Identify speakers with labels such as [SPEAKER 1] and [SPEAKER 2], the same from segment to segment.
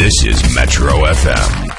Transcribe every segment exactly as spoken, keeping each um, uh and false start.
[SPEAKER 1] This is Metro F M.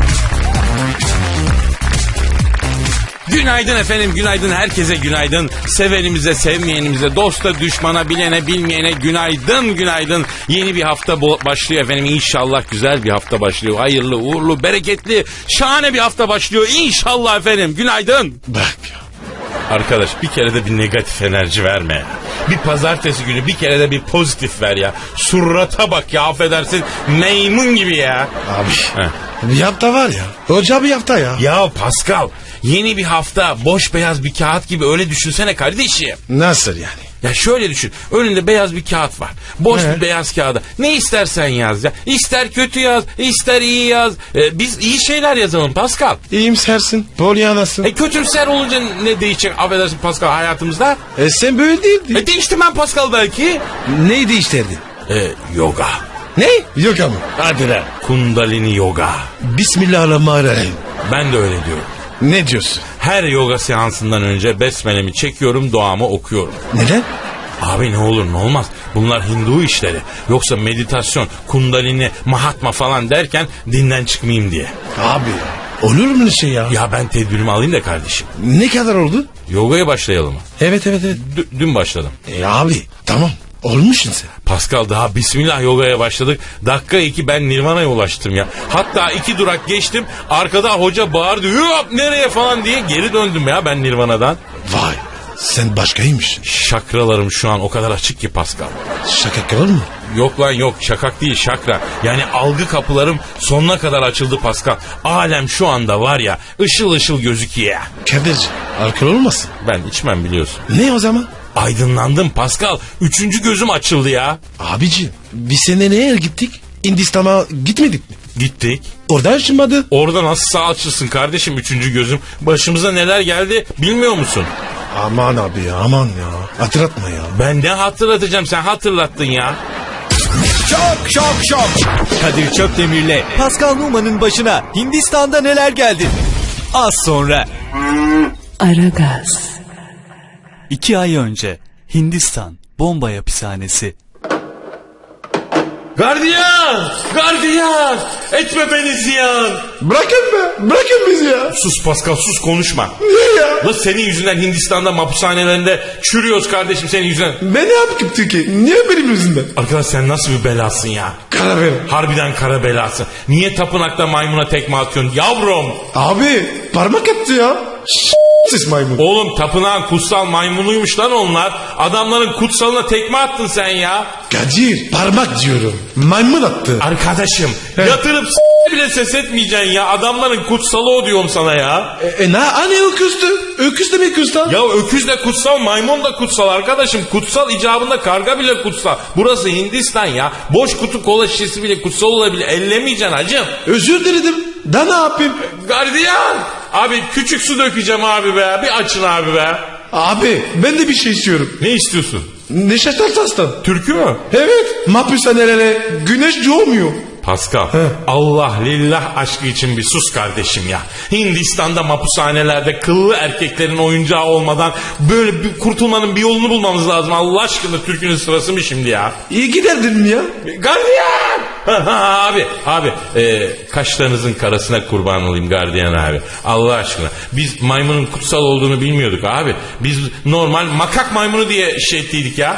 [SPEAKER 2] Günaydın efendim, günaydın herkese günaydın. Sevenimize, sevmeyenimize, dosta, düşmana, bilene, bilmeyene günaydın, günaydın. Yeni bir hafta başlıyor efendim. İnşallah güzel bir hafta başlıyor. Hayırlı, uğurlu, bereketli, şahane bir hafta başlıyor. İnşallah efendim, günaydın.
[SPEAKER 3] Bak ya.
[SPEAKER 2] Arkadaş bir kere de bir negatif enerji verme ya. Bir pazartesi günü bir kere de bir pozitif ver ya. Surata bak ya, affedersin, maymun gibi ya.
[SPEAKER 3] Abi.
[SPEAKER 2] Heh.
[SPEAKER 3] Bir hafta var ya. Hoca bir hafta ya.
[SPEAKER 2] Ya Pascal, yeni bir hafta boş beyaz bir kağıt gibi, öyle düşünsene kardeşim.
[SPEAKER 3] Nasıl yani?
[SPEAKER 2] Ya şöyle düşün, önünde beyaz bir kağıt var. Boş
[SPEAKER 3] He.
[SPEAKER 2] bir beyaz kağıda ne istersen yaz ya. İster kötü yaz, ister iyi yaz. Ee, biz iyi şeyler yazalım Pascal.
[SPEAKER 3] İyimsersin. Polyanasın.
[SPEAKER 2] E kötümser olunca ne değişecek, affedersin Pascal, hayatımızda?
[SPEAKER 3] E sen böyle değildin.
[SPEAKER 2] E değiştim ben Pascal belki.
[SPEAKER 3] Neyi değiştirdin?
[SPEAKER 2] E, yoga.
[SPEAKER 3] Ne? Yok ama.
[SPEAKER 2] Hadi lan. Kundalini yoga.
[SPEAKER 3] Bismillahirrahmanirrahim.
[SPEAKER 2] Ben de öyle diyorum.
[SPEAKER 3] Ne diyorsun?
[SPEAKER 2] Her yoga seansından önce besmelemi çekiyorum, duamı okuyorum.
[SPEAKER 3] Neden?
[SPEAKER 2] Abi ne olur ne olmaz. Bunlar Hindu işleri. Yoksa meditasyon, kundalini, mahatma falan derken dinden çıkmayayım diye.
[SPEAKER 3] Abi olur mu şey ya?
[SPEAKER 2] Ya ben tedbirimi alayım da kardeşim.
[SPEAKER 3] Ne kadar oldu?
[SPEAKER 2] Yogaya başlayalım mı?
[SPEAKER 3] Evet evet evet.
[SPEAKER 2] D- dün başladım.
[SPEAKER 3] E abi tamam. Olmuşsun sen.
[SPEAKER 2] Pascal, daha bismillah yogaya başladık. Dakika iki ben Nirvana'ya ulaştım ya. Hatta iki durak geçtim. Arkada hoca bağırdı. Yok nereye falan diye geri döndüm ya ben Nirvana'dan.
[SPEAKER 3] Vay sen başkaymışsın.
[SPEAKER 2] Şakralarım şu an o kadar açık ki Pascal.
[SPEAKER 3] Şaka kalır mı?
[SPEAKER 2] Yok lan yok, şakak değil, şakra. Yani algı kapılarım sonuna kadar açıldı Pascal. Alem şu anda var ya ışıl ışıl gözüküyor.
[SPEAKER 3] Kadirci alkol olmasın.
[SPEAKER 2] Ben içmem biliyorsun.
[SPEAKER 3] Ne o zaman?
[SPEAKER 2] Aydınlandım Pascal. Üçüncü gözüm açıldı ya.
[SPEAKER 3] Abici bir sene neye gittik? Hindistan'a gitmedik mi?
[SPEAKER 2] Gittik.
[SPEAKER 3] Orada açılmadı.
[SPEAKER 2] Orada nasıl sağ açılsın kardeşim üçüncü gözüm? Başımıza neler geldi bilmiyor musun?
[SPEAKER 3] Aman abi ya aman ya. Hatırlatma ya.
[SPEAKER 2] Ben ne hatırlatacağım, sen hatırlattın ya.
[SPEAKER 4] Şok şok şok. Kadir Çöpdemir'le Pascal Numa'nın başına Hindistan'da neler geldi? Az sonra.
[SPEAKER 5] Aragaz.
[SPEAKER 4] İki ay önce Hindistan bomba hapishanesi.
[SPEAKER 2] Gardiyan! Gardiyan! Etme beni ziyan!
[SPEAKER 3] Bırakın be. Bırakın bizi ya.
[SPEAKER 2] Sus Pascal, sus, konuşma.
[SPEAKER 3] Niye ya?
[SPEAKER 2] La senin yüzünden Hindistan'da hapishanelerinde çürüyoruz kardeşim, senin yüzünden.
[SPEAKER 3] Ben ne yaptım ki? Niye benim yüzümden?
[SPEAKER 2] Arkadaş sen nasıl bir belasın ya?
[SPEAKER 3] Karar ver.
[SPEAKER 2] Harbiden kara belası. Niye tapınakta maymuna tekme atıyorsun yavrum?
[SPEAKER 3] Abi parmak attı ya. Siz maymun.
[SPEAKER 2] Oğlum tapınağın kutsal maymunuymuş lan onlar. Adamların kutsalına tekme attın sen ya.
[SPEAKER 3] Kadir parmak diyorum. Maymun attı.
[SPEAKER 2] Arkadaşım yatırıp s- bile ses etmeyeceksin ya. Adamların kutsalı o diyorum sana ya.
[SPEAKER 3] E, e ne? Hani öküzdü? Öküz demek kutsal.
[SPEAKER 2] Ya öküz de kutsal, maymun da kutsal arkadaşım. Kutsal icabında karga bile kutsal. Burası Hindistan ya. Boş kutu kola şişesi bile kutsal olabilir. Ellemeyeceksin hacım.
[SPEAKER 3] Özür diledim. Da ne yapayım?
[SPEAKER 2] Gardiyan! Abi küçük su dökeceğim abi be. Bir açın abi be.
[SPEAKER 3] Abi ben de bir şey istiyorum.
[SPEAKER 2] Ne istiyorsun?
[SPEAKER 3] Neşet Ertaş'tan.
[SPEAKER 2] Türkü mü?
[SPEAKER 3] Evet. Mahpushanelere güneş doğmuyor.
[SPEAKER 2] Pascal, Allah lillah aşkı için bir sus kardeşim ya. Hindistan'da mahpushanelerde kıllı erkeklerin oyuncağı olmadan böyle bir kurtulmanın bir yolunu bulmamız lazım. Allah aşkına türkünün sırası mı şimdi ya?
[SPEAKER 3] İyi giderdin ya.
[SPEAKER 2] Gardiyan! Ha, ha, abi, abi e, kaşlarınızın karasına kurban olayım gardiyan abi. Allah aşkına. Biz maymunun kutsal olduğunu bilmiyorduk abi. Biz normal makak maymunu diye şey ettiydik ya.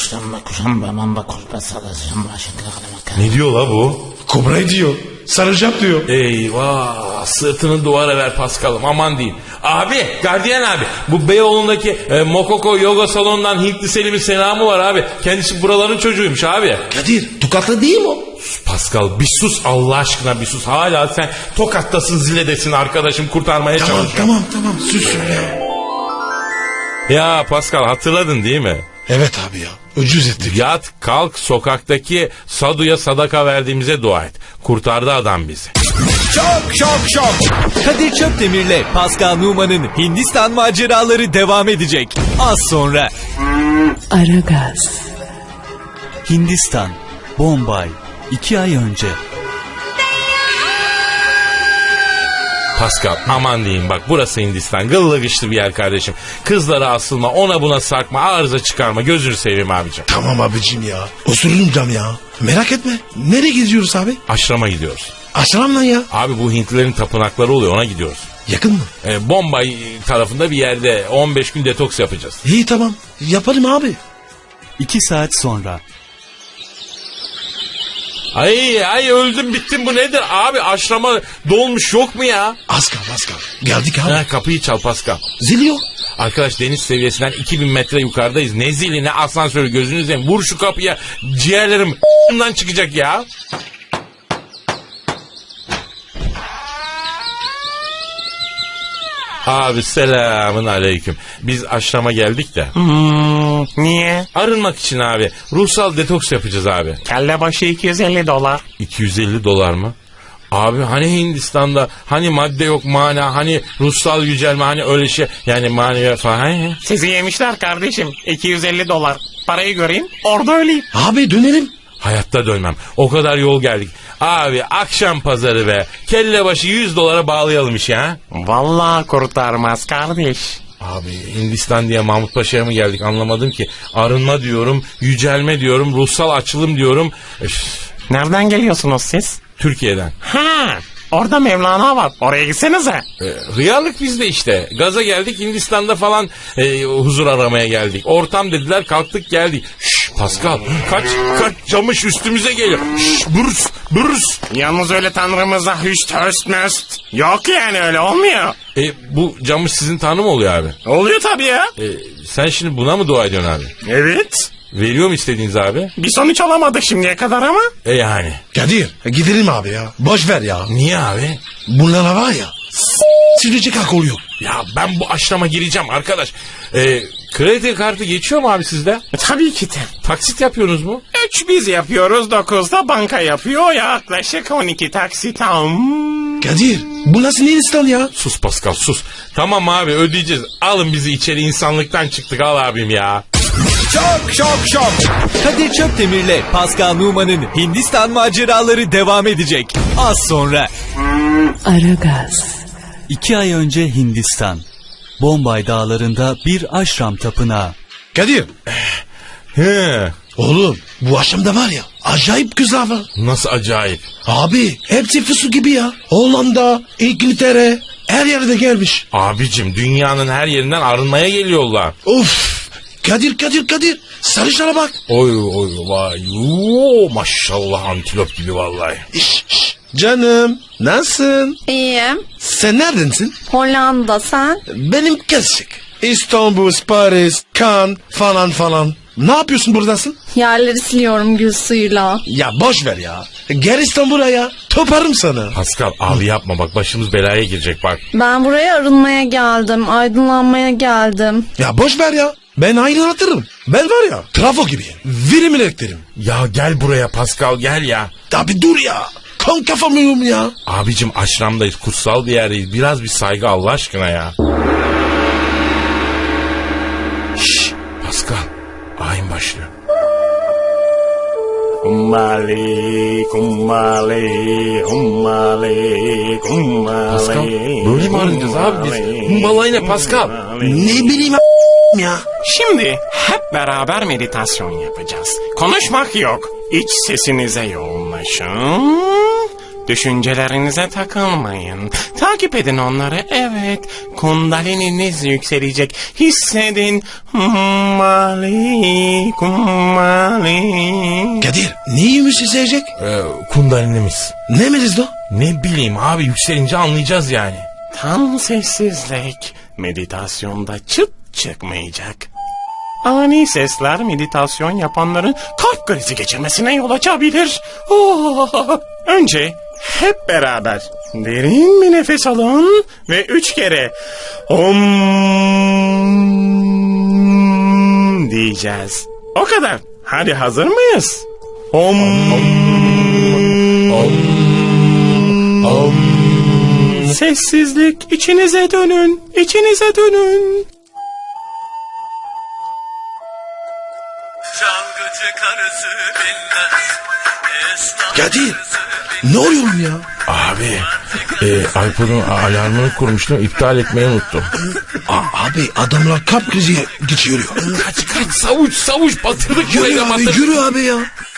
[SPEAKER 2] Ne diyor la bu?
[SPEAKER 3] Kobra diyor. Sarılacağım diyor.
[SPEAKER 2] Eyvah, sırtını duvara ver Paskal'ım, aman diyeyim. Abi, gardiyan abi, bu Beyoğlu'ndaki e, Mokoko yoga salonundan Hintli Selim'in selamı var abi. Kendisi buraların çocuğuymuş abi.
[SPEAKER 3] Kadir tokatlı değil mi o?
[SPEAKER 2] Sus Pascal, bir sus Allah aşkına, bir sus. Hala sen Tokat'tasın, Zile'desin arkadaşım, kurtarmaya
[SPEAKER 3] Tamam
[SPEAKER 2] çalışıyorum.
[SPEAKER 3] tamam tamam sus öyle.
[SPEAKER 2] Ya Pascal, hatırladın değil mi?
[SPEAKER 3] Evet abi ya. Ucuz ettik.
[SPEAKER 2] Yat, kalk, sokaktaki Sadu'ya sadaka verdiğimize dua et. Kurtardı adam bizi.
[SPEAKER 4] Şok şok şok. Kadir Çöpdemir'le Pascal Numa'nın Hindistan maceraları devam edecek. Az sonra.
[SPEAKER 5] Aragaz.
[SPEAKER 4] Hindistan, Bombay, iki ay önce.
[SPEAKER 2] Pascal aman diyeyim bak burası Hindistan. Gıllı gışlı bir yer kardeşim. Kızlara asılma, ona buna sarkma, arıza çıkarma. Gözünü seveyim abicim.
[SPEAKER 3] Tamam abicim ya. Osururum cam ya. Merak etme. Nereye gidiyoruz abi?
[SPEAKER 2] Aşrama gidiyoruz.
[SPEAKER 3] Aşramla ya.
[SPEAKER 2] Abi bu Hintlilerin tapınakları oluyor, ona gidiyoruz.
[SPEAKER 3] Yakın mı?
[SPEAKER 2] Ee, Bombay tarafında bir yerde on beş gün detoks yapacağız.
[SPEAKER 3] İyi tamam. Yaparım abi.
[SPEAKER 4] İki saat sonra.
[SPEAKER 2] Ay ay öldüm bittim, bu nedir? Abi aşrama dolmuş yok mu ya?
[SPEAKER 3] Az kal az kal. Geldik abi.
[SPEAKER 2] Ha, kapıyı çal Pascal.
[SPEAKER 3] Zil yok.
[SPEAKER 2] Arkadaş deniz seviyesinden iki bin metre yukarıdayız. Ne zili ne asansörü, gözünü seveyim. Vur şu kapıya, ciğerlerim çıkacak ya. Abi selamın aleyküm. Biz aşrama geldik de.
[SPEAKER 6] Hmm, niye?
[SPEAKER 2] Arınmak için abi. Ruhsal detoks yapacağız abi.
[SPEAKER 6] Kelle başı iki yüz elli dolar.
[SPEAKER 2] iki yüz elli dolar mı? Abi hani Hindistan'da hani madde yok mana, hani ruhsal yücelme, hani öyle şey yani manevi falan.
[SPEAKER 6] Sizi yemişler kardeşim. iki yüz elli dolar. Parayı göreyim orada öleyim.
[SPEAKER 3] Abi dönelim.
[SPEAKER 2] Hayatta dönmem. O kadar yol geldik. Abi akşam pazarı be. Kelle başı yüz dolara bağlayalım işi ha.
[SPEAKER 6] Vallahi kurtarmaz kardeş.
[SPEAKER 2] Abi Hindistan diye Mahmut Paşa'ya mı geldik anlamadım ki. Arınma diyorum, yücelme diyorum, ruhsal açılım diyorum. Üf,
[SPEAKER 6] Nereden geliyorsunuz siz?
[SPEAKER 2] Türkiye'den.
[SPEAKER 6] Ha, orada Mevlana var. Oraya gitsenize.
[SPEAKER 2] E, hıyarlık bizde işte. Gaza geldik, Hindistan'da falan e, huzur aramaya geldik. Ortam dediler, kalktık geldik. Şşş Pascal kaç kaç camış üstümüze geliyor. Şşş burs burs.
[SPEAKER 6] Yalnız öyle tanrımıza hüst höst möst. Yok yani öyle olmuyor.
[SPEAKER 2] E, bu camış sizin tanrı mı oluyor abi?
[SPEAKER 6] Oluyor tabii ya.
[SPEAKER 2] E, sen şimdi buna mı dua ediyorsun abi?
[SPEAKER 6] Evet.
[SPEAKER 2] Veriyor mu istediğiniz abi?
[SPEAKER 6] Bir sonuç alamadık şimdiye kadar ama.
[SPEAKER 2] E yani.
[SPEAKER 3] Kadir gidelim abi ya. Boş ver ya.
[SPEAKER 2] Niye abi?
[SPEAKER 3] Bunlara var ya. S- silecek akıl yok.
[SPEAKER 2] Ya ben bu aşrama gireceğim arkadaş. E, kredi kartı geçiyor mu abi sizde?
[SPEAKER 6] E, tabii ki de.
[SPEAKER 2] Taksit yapıyorsunuz mu?
[SPEAKER 6] Üç biz yapıyoruz, dokuzda banka yapıyor. Yaklaşık on iki taksit. Hmm.
[SPEAKER 3] Kadir bu nasıl Hindistan ya?
[SPEAKER 2] Sus Pascal sus. Tamam abi ödeyeceğiz. Alın bizi içeri, insanlıktan çıktık, al abim ya.
[SPEAKER 4] Şok şok şok. Kadir Çöpdemir'le Pascal Numa'nın Hindistan maceraları devam edecek. Az sonra.
[SPEAKER 5] Aragaz,
[SPEAKER 7] İki ay önce Hindistan. Bombay dağlarında bir aşram tapınağı.
[SPEAKER 3] Kadir.
[SPEAKER 2] He.
[SPEAKER 3] Oğlum bu akşamda var ya acayip güzel var.
[SPEAKER 2] Nasıl acayip.
[SPEAKER 3] Abi hepsi fısı gibi ya. Hollanda, İngiltere her yerde gelmiş.
[SPEAKER 2] Abicim dünyanın her yerinden arınmaya geliyorlar.
[SPEAKER 3] Of. Kadir Kadir Kadir. Sarışlara bak.
[SPEAKER 2] Oy oy vay. Oo, maşallah antilop gibi vallahi.
[SPEAKER 3] İş, iş. Canım nasılsın?
[SPEAKER 8] İyiyim.
[SPEAKER 3] Sen neredensin?
[SPEAKER 8] Hollanda sen?
[SPEAKER 3] Benim kesik. İstanbul, Paris, Cannes falan falan. Ne yapıyorsun buradasın?
[SPEAKER 8] Yerleri siliyorum gül suyuyla.
[SPEAKER 3] Ya boş ver ya. Gel İstanbul'a ya. Toparım sana.
[SPEAKER 2] Pascal abi yapma bak, başımız belaya girecek bak.
[SPEAKER 8] Ben buraya arınmaya geldim. Aydınlanmaya geldim.
[SPEAKER 3] Ya boş ver ya. Ben aydınlatırım. Ben var ya trafo gibiyim. Verim elektriğim.
[SPEAKER 2] Ya gel buraya Pascal, gel ya.
[SPEAKER 3] Abi dur ya. Kan kafamıyorum ya.
[SPEAKER 2] Abicim aşramdayız, kutsal bir yerdeyiz. Biraz bir saygı Allah aşkına ya. Şşş Pascal, ayin başlıyor.
[SPEAKER 6] Kumbali, kumbali, kumbali, kumbali.
[SPEAKER 2] Pascal böyle mi arayacağız abi biz? Kumbalayı ne Pascal?
[SPEAKER 3] Ne bileyim ya.
[SPEAKER 6] Şimdi hep beraber meditasyon yapacağız. Konuşmak yok. İç sesinize yoğunlaşın. Düşüncelerinize takılmayın. Takip edin onları. Evet. Kundalininiz yükselecek. Hissedin. Kumbali, kumbali.
[SPEAKER 3] Kadir neymiş izleyecek?
[SPEAKER 2] Ee, kundalinimiz.
[SPEAKER 3] Ne meriz o?
[SPEAKER 2] Ne bileyim abi, yükselince anlayacağız yani.
[SPEAKER 6] Tam sessizlik. Meditasyonda çıt çıkmayacak. Ani sesler meditasyon yapanların kalp krizi geçirmesine yol açabilir. Oh! Önce hep beraber derin bir nefes alın ve üç kere om diyeceğiz. O kadar. Hadi hazır mıyız? Om. Om. Om. Sessizlik. İçinize dönün. İçinize dönün.
[SPEAKER 9] Çalgıcı karısı bilmez. Esnaf
[SPEAKER 3] Kadir,
[SPEAKER 9] karısı
[SPEAKER 3] ne oluyor ya?
[SPEAKER 2] Abi e, iPod'un alarmını kurmuştum, iptal etmeyi unuttum.
[SPEAKER 3] Aa, abi adamlar kalp krizi geçiriyor.
[SPEAKER 2] Kaç kaç savuç savuç batırdık
[SPEAKER 3] Yürü
[SPEAKER 2] buraya,
[SPEAKER 3] abi
[SPEAKER 2] batırdık.
[SPEAKER 3] yürü abi ya.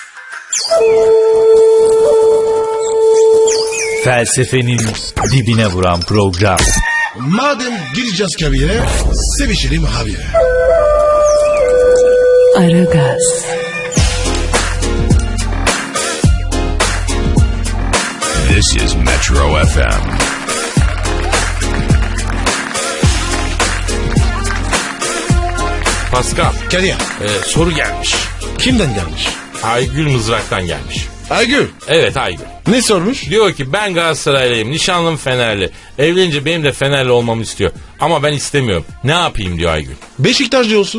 [SPEAKER 4] Felsefenin dibine vuran program.
[SPEAKER 3] Madem gireceğiz kabire, sevişelim abi.
[SPEAKER 5] Aragaz,
[SPEAKER 1] This is Metro F M.
[SPEAKER 2] Pascal,
[SPEAKER 3] Kadir,
[SPEAKER 2] e, soru gelmiş.
[SPEAKER 3] kimden gelmiş?
[SPEAKER 2] Aygül Mızrak'tan gelmiş.
[SPEAKER 3] Aygül,
[SPEAKER 2] Evet Aygül.
[SPEAKER 3] ne sormuş?
[SPEAKER 2] Diyor ki ben Galatasaraylıyım, nişanlım Fenerli. Evlenince benim de Fenerli olmamı istiyor. Ama ben istemiyorum. Ne yapayım diyor Aygül.
[SPEAKER 3] Beşiktaşlı olsun.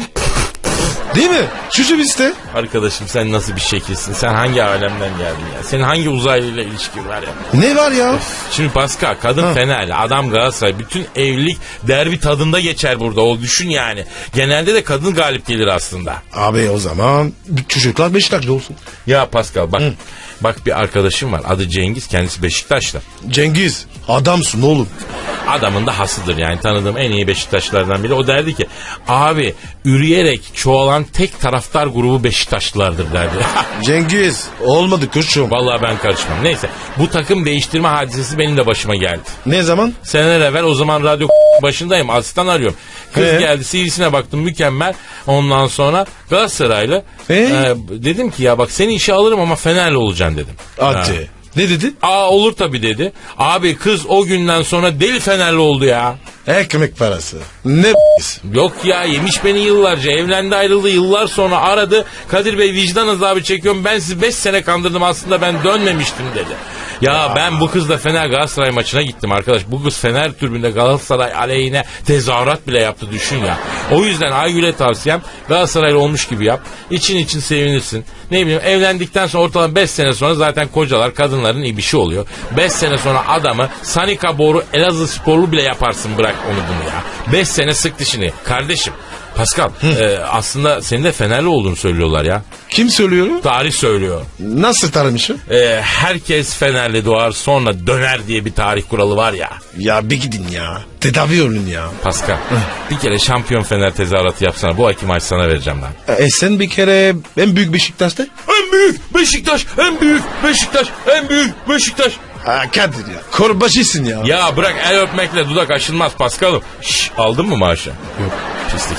[SPEAKER 3] Değil mi? Şu iste.
[SPEAKER 2] Arkadaşım sen nasıl bir şekilsin? Sen hangi alemden geldin ya? Senin hangi uzaylıyla ilişkin var ya?
[SPEAKER 3] Ne var ya?
[SPEAKER 2] Şimdi Pascal, kadın
[SPEAKER 3] Ha.
[SPEAKER 2] Fenerli, adam Galatasaray. Bütün evlilik derbi tadında geçer burada. O düşün yani. Genelde de kadın galip gelir aslında.
[SPEAKER 3] Abi o zaman çocuklar Beşiktaşlı olsun.
[SPEAKER 2] Ya Pascal bak. Bak bir arkadaşım var. Adı Cengiz. Kendisi Beşiktaşlı.
[SPEAKER 3] Cengiz, adamsın oğlum.
[SPEAKER 2] Adamın da hasıdır yani, tanıdığım en iyi Beşiktaşlılardan biri. O derdi ki abi üreyerek çoğalan tek taraftar grubu Beşiktaşlılardır derdi.
[SPEAKER 3] Cengiz, olmadı kuşum.
[SPEAKER 2] Vallahi ben karışmam. Neyse, bu takım değiştirme hadisesi benim de başıma geldi.
[SPEAKER 3] Ne zaman?
[SPEAKER 2] Seneler evvel, o zaman radyo başındayım, asistan arıyorum. Kız
[SPEAKER 3] Ee?
[SPEAKER 2] geldi, C V'sine baktım, mükemmel. Ondan sonra Galatasaraylı.
[SPEAKER 3] Ee?
[SPEAKER 2] Ee, dedim ki ya bak seni işe alırım ama Fenerli olacaksın dedim. Ha.
[SPEAKER 3] Hadi. Ne dedi?
[SPEAKER 2] Aa olur tabii dedi. Abi kız o günden sonra deli Fenerli oldu ya.
[SPEAKER 3] Ekmek parası. Ne
[SPEAKER 2] Yok ya, yemiş beni yıllarca, evlendi ayrıldı, yıllar sonra aradı. Kadir Bey vicdan azabı çekiyorum, ben sizi beş sene kandırdım, aslında ben dönmemiştim dedi. Ya, ya ben bu kızla Fener Galatasaray maçına gittim arkadaş. Bu kız Fener tribünde Galatasaray aleyhine tezahürat bile yaptı, düşün ya. O yüzden Aygül'e tavsiyem Galatasaraylı olmuş gibi yap. İçin için sevinirsin. Ne bileyim, evlendikten sonra ortalama beş sene sonra zaten kocalar kadınların ibişi oluyor. beş sene sonra adamı Sanika Boru Elazığ sporlu bile yaparsın, bırak onu bunu ya. beş sene sık dişini. Kardeşim Pascal e, aslında senin de Fenerli olduğunu söylüyorlar ya.
[SPEAKER 3] Kim söylüyor?
[SPEAKER 2] Tarih söylüyor.
[SPEAKER 3] Nasıl tanımışım?
[SPEAKER 2] E, herkes Fenerli doğar sonra döner diye bir tarih kuralı var ya.
[SPEAKER 3] Ya bir gidin ya. Tedavi olun ya.
[SPEAKER 2] Pascal bir kere şampiyon Fener tezahüratı yapsana. Bu ayki maç sana vereceğim ben.
[SPEAKER 3] E sen bir kere en büyük Beşiktaş'ta?
[SPEAKER 2] En büyük Beşiktaş, en büyük Beşiktaş, en büyük Beşiktaş.
[SPEAKER 3] Ha Kadir ya. Korbaşısın ya.
[SPEAKER 2] Ya bırak, el öpmekle dudak aşılmaz Paskal'ım. Şşş, aldın mı maaşı? Yok. Pislik.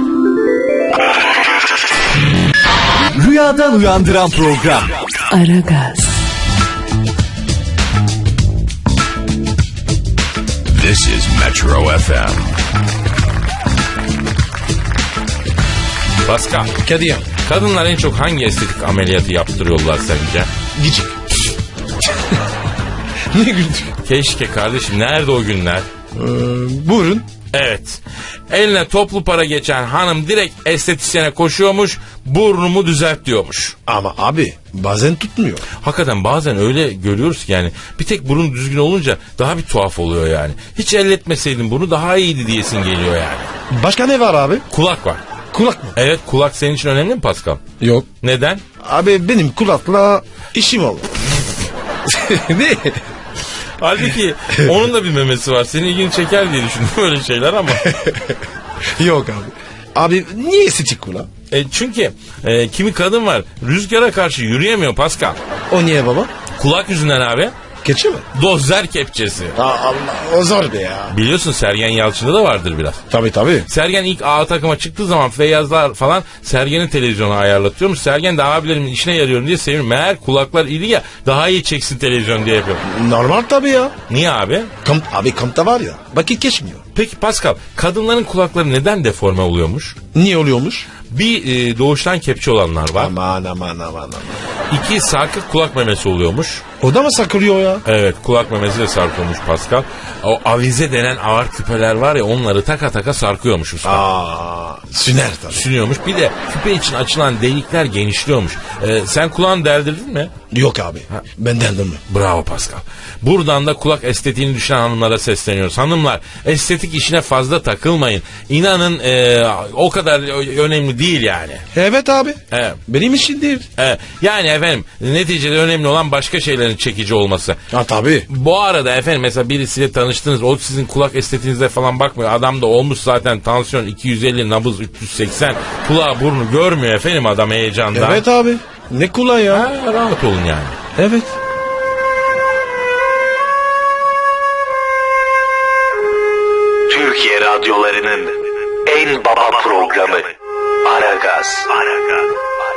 [SPEAKER 4] Rüyadan uyandıran program.
[SPEAKER 5] Aragaz,
[SPEAKER 1] This is Metro F M.
[SPEAKER 2] Pascal,
[SPEAKER 3] Kadir ya.
[SPEAKER 2] kadınlar en çok hangi estetik ameliyatı yaptırıyorlar sence?
[SPEAKER 3] Gıcık. Ne güldün?
[SPEAKER 2] Keşke kardeşim, nerede o günler?
[SPEAKER 3] Ee, buyurun.
[SPEAKER 2] Evet. Eline toplu para geçen hanım direkt estetisyene koşuyormuş, burnumu düzelt diyormuş.
[SPEAKER 3] Ama abi bazen tutmuyor.
[SPEAKER 2] Hakikaten bazen öyle görüyoruz ki yani bir tek burun düzgün olunca daha bir tuhaf oluyor yani. Hiç elletmeseydin bunu daha iyiydi diyesin geliyor yani.
[SPEAKER 3] Başka ne var abi?
[SPEAKER 2] Kulak var.
[SPEAKER 3] Kulak mı?
[SPEAKER 2] Evet, kulak senin için önemli mi Pascal?
[SPEAKER 3] Yok.
[SPEAKER 2] Neden?
[SPEAKER 3] Abi benim kulakla işim oldu. Ne?
[SPEAKER 2] Halbuki onun da bir memesi var. Senin ilgini çeker diye düşündüm öyle şeyler ama.
[SPEAKER 3] Yok abi. Abi niye estetik kulak?
[SPEAKER 2] E çünkü e, kimi kadın var rüzgara karşı yürüyemiyor Pascal.
[SPEAKER 3] O niye baba?
[SPEAKER 2] Kulak yüzünden abi.
[SPEAKER 3] Keçi mi?
[SPEAKER 2] Dozer kepçesi.
[SPEAKER 3] Aa, Allah o zor be ya.
[SPEAKER 2] Biliyorsun Sergen Yalçın'da da vardır biraz.
[SPEAKER 3] Tabii tabii.
[SPEAKER 2] Sergen ilk A takıma çıktığı zaman Feyyazlar falan Sergen'i televizyona ayarlatıyormuş. Sergen de abilerimin işine yarıyorum diye seviniyor. Meğer kulaklar iyi ya, daha iyi çeksin televizyon diye yapıyor.
[SPEAKER 3] Normal tabii ya.
[SPEAKER 2] Niye abi?
[SPEAKER 3] Kamp, abi kampta var ya vakit geçmiyor.
[SPEAKER 2] Peki Pascal, kadınların kulakları neden deforme oluyormuş?
[SPEAKER 3] Niye oluyormuş?
[SPEAKER 2] Bir e, doğuştan kepçe olanlar var.
[SPEAKER 3] Aman aman aman aman.
[SPEAKER 2] İki sarkık kulak memesi oluyormuş.
[SPEAKER 3] O da mı sakırıyor ya?
[SPEAKER 2] Evet, kulak memesi de sarkıyormuş Pascal. O avize denen ağır küpeler var ya, onları taka taka sarkıyormuş usta.
[SPEAKER 3] Aa, süner tabii.
[SPEAKER 2] Sünüyormuş. Bir de küpe için açılan delikler genişliyormuş. Ee, sen kulağını deldirdin mi?
[SPEAKER 3] Yok abi. Ben derdim mi?
[SPEAKER 2] Bravo Pascal. Buradan da kulak estetiğini düşünen hanımlara sesleniyoruz. Hanımlar, estetik işine fazla takılmayın. İnanın e, o kadar önemli değil yani.
[SPEAKER 3] Evet abi.
[SPEAKER 2] Evet.
[SPEAKER 3] Benim işim değil.
[SPEAKER 2] Evet. Yani efendim neticede önemli olan başka şeylerin çekici olması.
[SPEAKER 3] Ha tabii.
[SPEAKER 2] Bu arada efendim mesela birisiyle tanıştınız. O sizin kulak estetiğinize falan bakmıyor. Adam da olmuş zaten tansiyon iki yüz elli, nabız üç yüz seksen. Kulağı burnu görmüyor efendim adam heyecandan.
[SPEAKER 3] Evet abi. Ne kolay ya.
[SPEAKER 2] Ha, rahat olun yani.
[SPEAKER 3] Evet.
[SPEAKER 9] Türkiye radyolarının en baba programı Aragaz. Aragaz.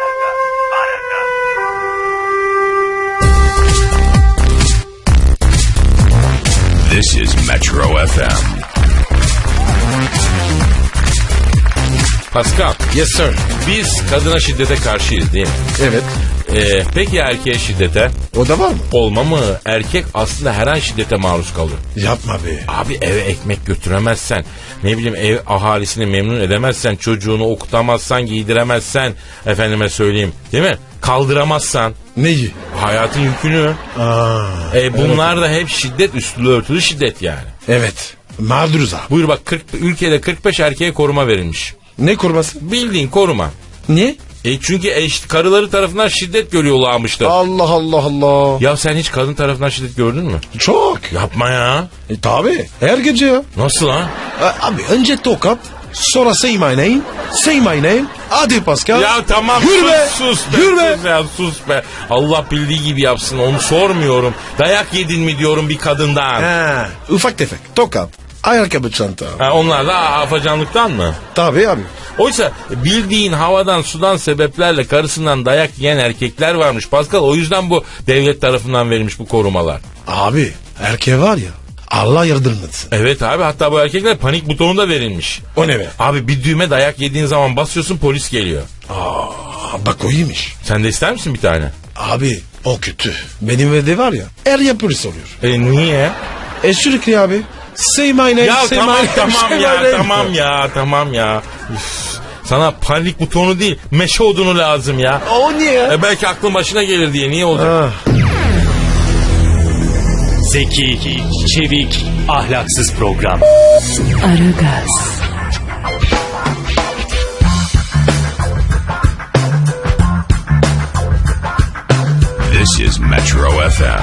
[SPEAKER 1] This is Metro F M.
[SPEAKER 2] Pascal,
[SPEAKER 3] Yes sir.
[SPEAKER 2] biz kadına şiddete karşıyız değil mi?
[SPEAKER 3] Evet.
[SPEAKER 2] Ee, peki ya erkeğe şiddete?
[SPEAKER 3] O da var mı?
[SPEAKER 2] Olma mı? Erkek aslında her an şiddete maruz kalıyor.
[SPEAKER 3] Yapma be.
[SPEAKER 2] Abi eve ekmek götüremezsen, ne bileyim ev ahalisini memnun edemezsen, çocuğunu okutamazsan, giydiremezsen, efendime söyleyeyim değil mi? Kaldıramazsan
[SPEAKER 3] Neyi?
[SPEAKER 2] hayatın yükünü.
[SPEAKER 3] Aa,
[SPEAKER 2] E, bunlar da hep şiddet, üstü örtülü şiddet yani.
[SPEAKER 3] evet. Mağduruz abi.
[SPEAKER 2] Buyur bak kırk, ülkede kırk beş erkeğe koruma verilmiş.
[SPEAKER 3] Ne kurması?
[SPEAKER 2] Bildiğin koruma.
[SPEAKER 3] Niye?
[SPEAKER 2] E çünkü eş, karıları tarafından şiddet görüyorlarmıştır.
[SPEAKER 3] Allah Allah Allah.
[SPEAKER 2] Ya sen hiç kadın tarafından şiddet gördün mü?
[SPEAKER 3] Çok.
[SPEAKER 2] Yapma ya.
[SPEAKER 3] E tabi. Her gece ya.
[SPEAKER 2] Nasıl ha?
[SPEAKER 3] A- Abi önce tokat. Sonra say my name. Say my name. Hadi Pascal.
[SPEAKER 2] Ya tamam
[SPEAKER 3] Yürü
[SPEAKER 2] sus,
[SPEAKER 3] be.
[SPEAKER 2] sus be.
[SPEAKER 3] Yürü be.
[SPEAKER 2] Sus ya sus be. Allah bildiği gibi yapsın onu sormuyorum. Dayak yedin mi diyorum bir kadından.
[SPEAKER 3] Ha, ufak tefek. Tokat. Ayakkabı çanta.
[SPEAKER 2] Ha, onlar da afacanlıktan mı?
[SPEAKER 3] Tabi abi.
[SPEAKER 2] Oysa bildiğin havadan sudan sebeplerle karısından dayak yiyen erkekler varmış Pascal. O yüzden bu devlet tarafından verilmiş bu korumalar.
[SPEAKER 3] Abi erkeğe var ya. Allah yardım etsin.
[SPEAKER 2] Evet abi hatta bu erkekler panik butonu da verilmiş.
[SPEAKER 3] O ne be?
[SPEAKER 2] Abi bir düğme dayak yediğin zaman basıyorsun polis geliyor.
[SPEAKER 3] Aa, bak o iyiymiş.
[SPEAKER 2] Sen de ister misin bir tane?
[SPEAKER 3] Abi o kötü. Benim evde var ya. Her yer polis oluyor.
[SPEAKER 2] E niye?
[SPEAKER 3] E sürekli abi. Say my name.
[SPEAKER 2] Ya
[SPEAKER 3] say
[SPEAKER 2] tamam
[SPEAKER 3] my name,
[SPEAKER 2] tamam
[SPEAKER 3] say my
[SPEAKER 2] ya
[SPEAKER 3] name.
[SPEAKER 2] tamam ya tamam ya. Üf, sana panik butonu değil meşe odunu lazım ya.
[SPEAKER 3] O niye ya?
[SPEAKER 2] E belki aklın başına gelir diye niye olacak?
[SPEAKER 3] Ha.
[SPEAKER 4] Zeki, çevik, ahlaksız program.
[SPEAKER 5] Aragaz,
[SPEAKER 1] This is Metro F M.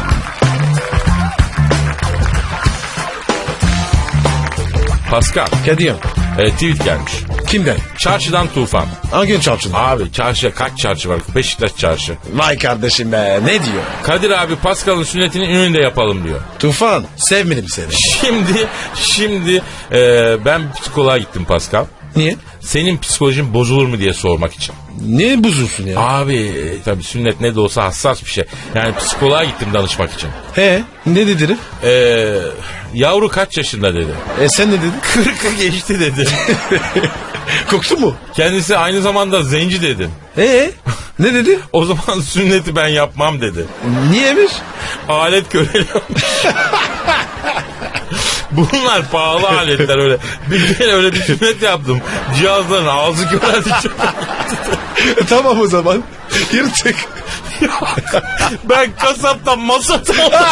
[SPEAKER 2] Pascal
[SPEAKER 3] Kadir.
[SPEAKER 2] e, tweet gelmiş.
[SPEAKER 3] Kimden?
[SPEAKER 2] Çarşıdan tufan.
[SPEAKER 3] Hangi çarpsın?
[SPEAKER 2] Abi çarşıya kaç çarşı var? Beşiktaş çarşı.
[SPEAKER 3] Vay kardeşim be. Ne diyor?
[SPEAKER 2] Kadir abi Pascal'ın sünnetini önünde yapalım diyor.
[SPEAKER 3] Tufan. Sevmedim seni.
[SPEAKER 2] Şimdi şimdi e, ben psikoloğa gittim Pascal.
[SPEAKER 3] Niye?
[SPEAKER 2] Senin psikolojin bozulur mu diye sormak için.
[SPEAKER 3] Niye bozulsun ya?
[SPEAKER 2] Abi e, tabii sünnet ne de olsa hassas bir şey. Yani psikoloğa gittim danışmak için.
[SPEAKER 3] He? Ne dedi herif?
[SPEAKER 2] Ee, yavru kaç yaşında dedi.
[SPEAKER 3] E sen ne dedin?
[SPEAKER 2] kırkı geçti dedi.
[SPEAKER 3] Koktu mu?
[SPEAKER 2] Kendisi aynı zamanda zenci dedim.
[SPEAKER 3] E ne dedi?
[SPEAKER 2] O zaman sünneti ben yapmam dedi.
[SPEAKER 3] Niyemiş?
[SPEAKER 2] Alet göreliyormuş. Bunlar pahalı aletler öyle. Bir kere öyle bir sünnet yaptım. Cihazların ağzı görerdi çok.
[SPEAKER 3] E, tamam o zaman. Yırtık.
[SPEAKER 2] Ben kasaptan masat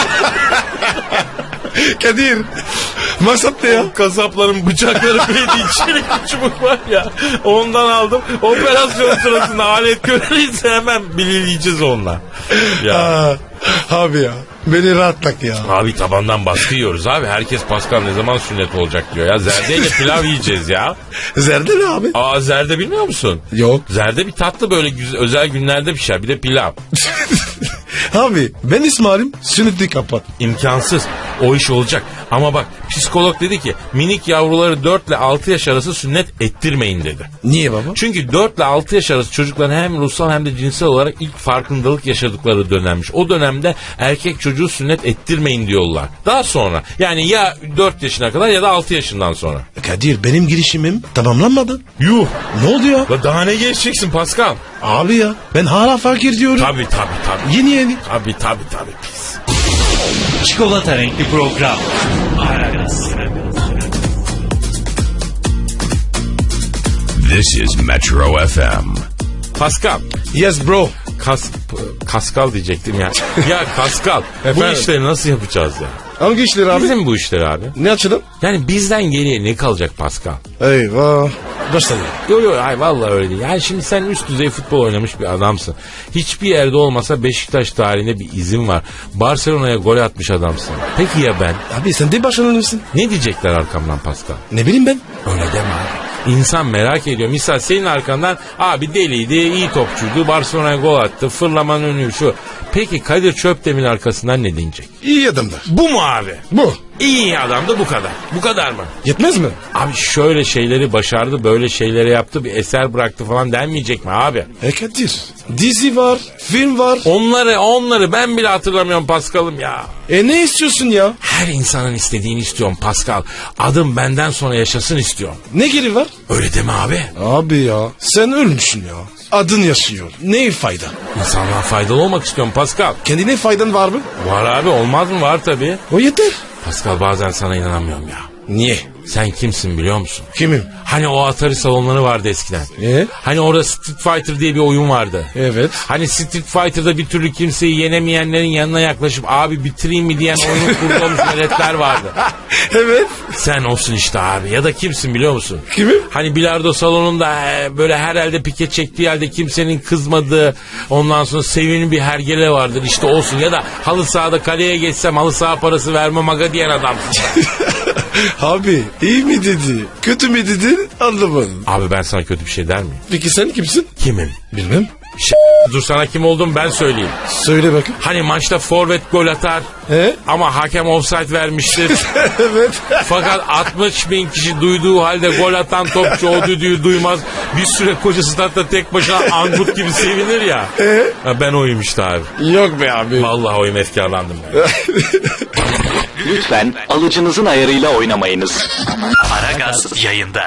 [SPEAKER 3] Kadir. Masat ne ya?
[SPEAKER 2] Kasapların bıçakları belli içeri bir çubuk var ya. Ondan aldım. Operasyon sırasında alet göreliyse hemen bilileyeceğiz onunla. Ya.
[SPEAKER 3] Aa, abi ya. Beni rahatlat ya.
[SPEAKER 2] Abi tabandan baskı yiyoruz abi. Herkes Pascal ne zaman sünnet olacak diyor ya. Zerdeyle pilav yiyeceğiz ya.
[SPEAKER 3] Zerde ne abi?
[SPEAKER 2] Aa zerde bilmiyor musun?
[SPEAKER 3] Yok.
[SPEAKER 2] Zerde bir tatlı böyle güzel, özel günlerde pişer. Bir de pilav.
[SPEAKER 3] Abi ben İsmail'im sünneti kapat.
[SPEAKER 2] İmkansız. O iş olacak. Ama bak psikolog dedi ki minik yavruları dört ile altı yaş arası sünnet ettirmeyin dedi.
[SPEAKER 3] Niye baba?
[SPEAKER 2] Çünkü dört ile altı yaş arası çocukların hem ruhsal hem de cinsel olarak ilk farkındalık yaşadıkları dönemmiş. O dönemde erkek çocuğu sünnet ettirmeyin diyorlar. Daha sonra yani ya dört yaşına kadar ya da altı yaşından sonra.
[SPEAKER 3] Kadir benim girişimim tamamlanmadı.
[SPEAKER 2] Yuh.
[SPEAKER 3] Ne oldu ya?
[SPEAKER 2] La daha ne geçeceksin Pascal?
[SPEAKER 3] Abi ya ben hala fakir diyorum.
[SPEAKER 2] Tabii tabii tabii.
[SPEAKER 3] Yeni yeni.
[SPEAKER 2] Tabii tabii tabii pis.
[SPEAKER 4] Çikolata renkli program. Aragaz.
[SPEAKER 1] This is Metro F M.
[SPEAKER 2] Pascal.
[SPEAKER 3] Yes bro.
[SPEAKER 2] kas, Kaskal diyecektim ya. Ya Kaskal bu
[SPEAKER 3] Efendim?
[SPEAKER 2] işleri nasıl yapacağız ya?
[SPEAKER 3] Hangi işleri abi?
[SPEAKER 2] Bizim bu işleri abi.
[SPEAKER 3] Ne açalım?
[SPEAKER 2] Yani bizden geriye ne kalacak Pascal?
[SPEAKER 3] Eyvah. Başladı.
[SPEAKER 2] Yok yok ay vallahi öyle değil. Yani şimdi sen üst düzey futbol oynamış bir adamsın. Hiçbir yerde olmasa Beşiktaş tarihinde bir izin var. Barcelona'ya gol atmış adamsın. Peki ya ben?
[SPEAKER 3] Abi sen de başlanırsın.
[SPEAKER 2] Ne diyecekler arkamdan Pascal?
[SPEAKER 3] Ne bileyim ben?
[SPEAKER 2] Öyle deme abi. İnsan merak ediyor. Misal senin arkandan abi deliydi, iyi topçuydu, Barcelona'ya gol attı, fırlaman önü şu. Peki Kadir Çöpdemir'in arkasından ne diyecek?
[SPEAKER 3] İyi adamlar.
[SPEAKER 2] Bu mu abi?
[SPEAKER 3] Bu.
[SPEAKER 2] İyi adam da bu kadar. Bu kadar mı?
[SPEAKER 3] Yetmez mi?
[SPEAKER 2] Abi şöyle şeyleri başardı, böyle şeyleri yaptı, bir eser bıraktı falan denmeyecek mi abi?
[SPEAKER 3] E Kadir. Dizi var, film var.
[SPEAKER 2] Onları onları ben bile hatırlamıyorum Paskal'ım ya.
[SPEAKER 3] E ne istiyorsun ya?
[SPEAKER 2] Her insanın istediğini istiyorum Pascal. Adım benden sonra yaşasın istiyorum.
[SPEAKER 3] Ne geri var?
[SPEAKER 2] Öyle deme abi.
[SPEAKER 3] Abi ya sen ölmüşsün ya. Adın yaşıyor. Ne fayda?
[SPEAKER 2] İnsanlığa faydalı olmak istiyorum Pascal.
[SPEAKER 3] Kendine faydan var mı?
[SPEAKER 2] Var abi, olmaz mı? Var tabii.
[SPEAKER 3] O yeter.
[SPEAKER 2] Pascal bazen sana inanamıyorum ya.
[SPEAKER 3] Niye?
[SPEAKER 2] Sen kimsin biliyor musun?
[SPEAKER 3] Kimim?
[SPEAKER 2] Hani o Atari salonları vardı eskiden.
[SPEAKER 3] E?
[SPEAKER 2] Hani orada Street Fighter diye bir oyun vardı.
[SPEAKER 3] Evet.
[SPEAKER 2] Hani Street Fighter'da bir türlü kimseyi yenemeyenlerin yanına yaklaşıp abi bitireyim mi diyen oyunu kurduğumuz veletler vardı.
[SPEAKER 3] Evet.
[SPEAKER 2] Sen olsun işte abi. Ya da kimsin biliyor musun?
[SPEAKER 3] Kimim?
[SPEAKER 2] Hani bilardo salonunda e, böyle her elde pike çektiği halde kimsenin kızmadığı, ondan sonra sevimli bir hergele vardır, işte olsun. Ya da halı sahada kaleye geçsem halı saha parası vermem aga diyen adamsın.
[SPEAKER 3] Abi iyi mi dedi? Kötü mü dedi? Anlamadım.
[SPEAKER 2] Abi ben sana kötü bir şey der miyim?
[SPEAKER 3] Peki sen kimsin?
[SPEAKER 2] Kimim?
[SPEAKER 3] Bilmem.
[SPEAKER 2] Ş- dur sana kim olduğumu ben söyleyeyim.
[SPEAKER 3] Söyle bakayım.
[SPEAKER 2] Hani maçta forvet gol atar
[SPEAKER 3] He?
[SPEAKER 2] ama hakem offside vermiştir.
[SPEAKER 3] Evet.
[SPEAKER 2] Fakat altmış bin kişi duyduğu halde gol atan topçu o düdüğü duymaz. Bir süre koca statta tek başına angut gibi sevinir ya.
[SPEAKER 3] E?
[SPEAKER 2] Ha, ben oyum işte abi.
[SPEAKER 3] Yok be abi.
[SPEAKER 2] Vallahi oyum, efkarlandım ben.
[SPEAKER 9] Lütfen alıcınızın ayarıyla oynamayınız.
[SPEAKER 4] Aragaz yayında.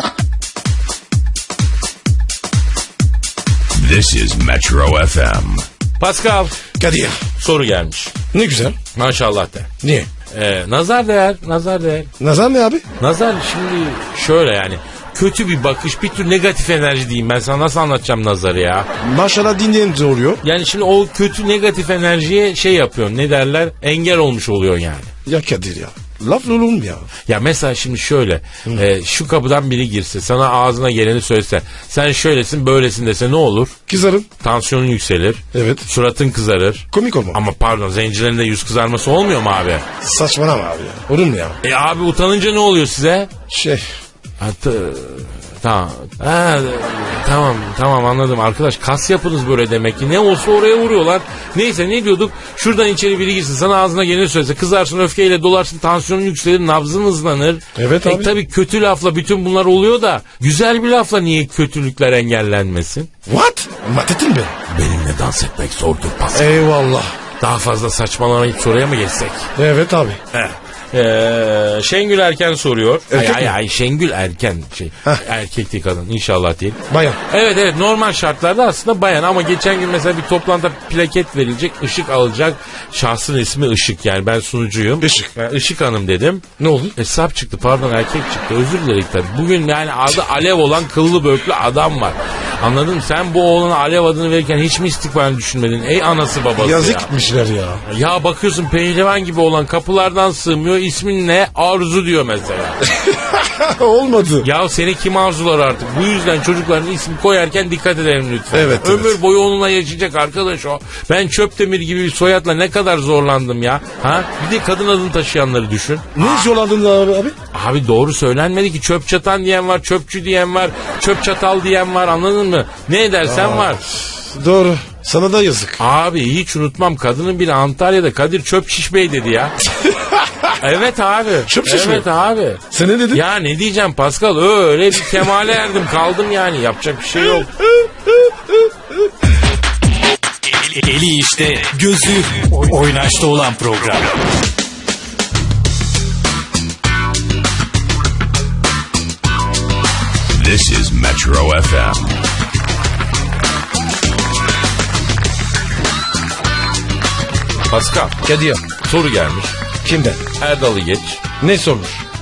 [SPEAKER 1] This is Metro F M.
[SPEAKER 2] Pascal,
[SPEAKER 3] Kadir.
[SPEAKER 2] soru gelmiş.
[SPEAKER 3] Ne güzel.
[SPEAKER 2] Maşallah de.
[SPEAKER 3] Niye?
[SPEAKER 2] Ee, nazar değer, nazar değer.
[SPEAKER 3] Nazar ne abi?
[SPEAKER 2] Nazar şimdi şöyle yani. Kötü bir bakış, bir tür negatif enerji diyeyim. Ben sana nasıl anlatacağım nazarı ya?
[SPEAKER 3] Maşallah dinleyince oluyor.
[SPEAKER 2] Yani şimdi o kötü negatif enerjiye şey yapıyorsun. Ne derler? Engel olmuş oluyor yani.
[SPEAKER 3] Ya Kadir ya. Laf olur mu ya?
[SPEAKER 2] Ya mesela şimdi şöyle. E, şu kapıdan biri girse, sana ağzına geleni söylese, sen şöylesin böylesin dese ne olur?
[SPEAKER 3] Kızarım.
[SPEAKER 2] Tansiyonun yükselir.
[SPEAKER 3] Evet.
[SPEAKER 2] Suratın kızarır.
[SPEAKER 3] Komik olma.
[SPEAKER 2] Ama pardon, zencilerin de yüz kızarması olmuyor mu abi?
[SPEAKER 3] Saçmalama abi ya. Olur mu ya?
[SPEAKER 2] E abi utanınca ne oluyor size?
[SPEAKER 3] Şey.
[SPEAKER 2] Hatta, tamam. Ha, tamam tamam anladım arkadaş, kas yapınız böyle demek ki. Ne olsa oraya vuruyorlar. Neyse ne diyorduk? Şuradan içeri biri girsin, sana ağzına geleni söylese, kızarsın, öfkeyle dolarsın, tansiyonun yükselir, nabzın hızlanır.
[SPEAKER 3] Evet
[SPEAKER 2] e,
[SPEAKER 3] abi.
[SPEAKER 2] Tabii kötü lafla bütün bunlar oluyor da güzel bir lafla niye kötülükler engellenmesin?
[SPEAKER 3] What? Matetin mi?
[SPEAKER 2] Benimle dans etmek zordur Pascal.
[SPEAKER 3] Eyvallah.
[SPEAKER 2] Daha fazla saçmalamayıp soruya mı geçsek?
[SPEAKER 3] Evet abi.
[SPEAKER 2] Heh. Ee, Şengül Erken soruyor.
[SPEAKER 3] Erkek
[SPEAKER 2] ay,
[SPEAKER 3] mi?
[SPEAKER 2] ay, ay Şengül Erken şey.
[SPEAKER 3] Heh.
[SPEAKER 2] Erkek değil, kadın inşallah değil.
[SPEAKER 3] Bayan.
[SPEAKER 2] Evet evet, normal şartlarda aslında bayan ama geçen gün mesela bir toplantıda plaket verilecek, ışık alacak. Şahsın ismi Işık, yani ben sunucuyum.
[SPEAKER 3] Işık.
[SPEAKER 2] Ben Işık Hanım dedim.
[SPEAKER 3] Ne oldu?
[SPEAKER 2] Hesap çıktı, pardon erkek çıktı, özür dilerim tabii. Bugün yani adı Alev olan kıllı böklü adam var. Anladın mı? Sen bu oğlana Alev adını verirken hiç mi istikbalini düşünmedin? Ey anası babası
[SPEAKER 3] Yazık
[SPEAKER 2] ya.
[SPEAKER 3] gitmişler ya.
[SPEAKER 2] Ya bakıyorsun pehlivan gibi olan kapılardan sığmıyor. İsmin ne? Arzu diyor mesela.
[SPEAKER 3] Olmadı.
[SPEAKER 2] Ya seni kim arzular artık? Bu yüzden çocukların ismi koyarken dikkat edelim lütfen.
[SPEAKER 3] Evet,
[SPEAKER 2] Ömür
[SPEAKER 3] evet.
[SPEAKER 2] boyu onunla yaşayacak arkadaş o. Ben Çöptemir gibi bir soyadla ne kadar zorlandım ya. Ha? Bir de kadın adını taşıyanları düşün.
[SPEAKER 3] Ne zorlandın abi abi?
[SPEAKER 2] Abi doğru söylenmedi ki. Çöp çatan diyen var, çöpçü diyen var, çöp çatal diyen var, anladın mı? Ne edersen var.
[SPEAKER 3] Doğru. Sana da yazık.
[SPEAKER 2] Abi hiç unutmam, kadının biri Antalya'da Kadir Çöp Şiş Bey dedi ya. Evet abi.
[SPEAKER 3] Çöp şiş
[SPEAKER 2] Evet
[SPEAKER 3] mi?
[SPEAKER 2] abi.
[SPEAKER 3] Sen ne dedin?
[SPEAKER 2] Ya ne diyeceğim Pascal, öyle bir kemale erdim kaldım yani, yapacak bir şey yok.
[SPEAKER 4] Eli işte, gözü oynaşta olan program.
[SPEAKER 1] This is Metro F M.
[SPEAKER 2] Pascal,
[SPEAKER 3] Kadir.
[SPEAKER 2] soru gelmiş.
[SPEAKER 3] Kimden?
[SPEAKER 2] Erdal'ı geç.
[SPEAKER 3] Ne sormuş?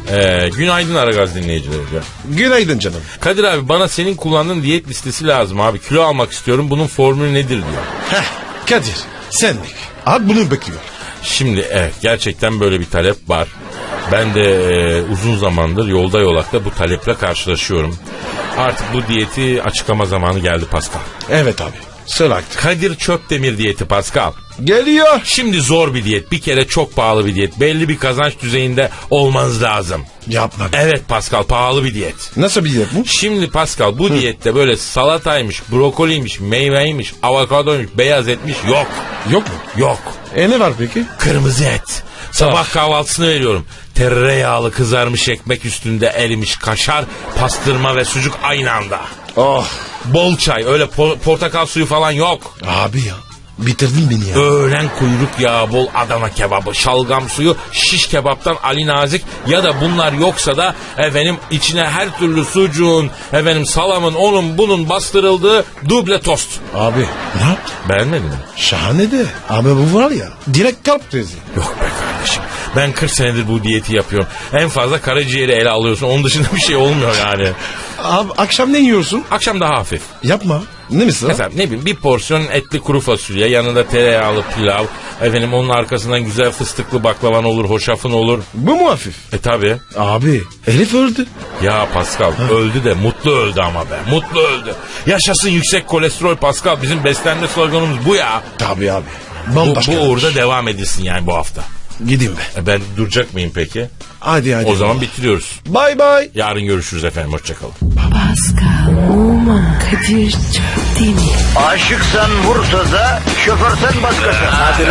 [SPEAKER 2] Ee, günaydın Aragaz dinleyicileri.
[SPEAKER 3] Günaydın canım.
[SPEAKER 2] Kadir abi bana senin kullandığın diyet listesi lazım abi. Kilo almak istiyorum. Bunun formülü nedir diyor.
[SPEAKER 3] Heh, Kadir senlik. Abi bunu bekliyor.
[SPEAKER 2] Şimdi evet gerçekten böyle bir talep var. Ben de e, uzun zamandır yolda yolakta bu taleple karşılaşıyorum. Artık bu diyeti açıklama zamanı geldi Pascal.
[SPEAKER 3] Evet abi. Söyle artık.
[SPEAKER 2] Kadir Çöpdemir diyeti Pascal.
[SPEAKER 3] Geliyor.
[SPEAKER 2] Şimdi zor bir diyet. Bir kere çok pahalı bir diyet. Belli bir kazanç düzeyinde olmanız lazım.
[SPEAKER 3] Yapma.
[SPEAKER 2] Evet Pascal, pahalı bir diyet.
[SPEAKER 3] Nasıl bir diyet bu?
[SPEAKER 2] Şimdi Pascal bu diyette böyle salataymış, brokoliymiş, meyveymiş, avokadoymuş, beyaz etmiş yok.
[SPEAKER 3] Yok mu?
[SPEAKER 2] Yok.
[SPEAKER 3] E ne var peki?
[SPEAKER 2] Kırmızı et. Sabah kahvaltısını veriyorum. Tereyağlı kızarmış ekmek üstünde erimiş kaşar, pastırma ve sucuk aynı anda.
[SPEAKER 3] Oh.
[SPEAKER 2] Bol çay, öyle po- portakal suyu falan yok.
[SPEAKER 3] Abi ya. Bitirdin beni ya.
[SPEAKER 2] Öğlen kuyruk yağı bol Adana kebabı, şalgam suyu, şiş kebaptan Ali Nazik ya da bunlar yoksa da efendim içine her türlü sucuğun, efendim salamın, onun bunun bastırıldığı duble tost.
[SPEAKER 3] Abi ne yaptın?
[SPEAKER 2] Beğenmedin mi?
[SPEAKER 3] Şahane de. Abi bu var ya. Direkt kalp krizi.
[SPEAKER 2] Yok be kardeşim. Ben kırk senedir bu diyeti yapıyorum. En fazla karaciğeri ele alıyorsun. Onun dışında bir şey olmuyor yani.
[SPEAKER 3] Abi akşam ne yiyorsun?
[SPEAKER 2] Akşam daha hafif.
[SPEAKER 3] Yapma. Ne misin?
[SPEAKER 2] Mesela ne bileyim bir porsiyon etli kuru fasulye, yanında tereyağlı pilav, efendim onun arkasından güzel fıstıklı baklavan olur, hoşafın olur.
[SPEAKER 3] Bu mu hafif?
[SPEAKER 2] E tabi.
[SPEAKER 3] Abi Elif öldü.
[SPEAKER 2] Ya Pascal öldü de mutlu öldü ama be. Mutlu öldü. Yaşasın yüksek kolesterol Pascal. Bizim beslenme sloganımız bu ya.
[SPEAKER 3] Tabii abi.
[SPEAKER 2] Bu,
[SPEAKER 3] Bambaşka.
[SPEAKER 2] bu uğurda devam edilsin yani bu hafta.
[SPEAKER 3] Gideyim be.
[SPEAKER 2] E ben duracak mıyım peki?
[SPEAKER 3] Hadi hadi.
[SPEAKER 2] O zaman bitiriyoruz.
[SPEAKER 3] Bye bye.
[SPEAKER 2] Yarın görüşürüz efendim. Hoşçakalın.
[SPEAKER 5] Pascal, Oman, Kadir çok değil mi?
[SPEAKER 9] Aşıksan vursa da, şoförsen başkasın. Hadi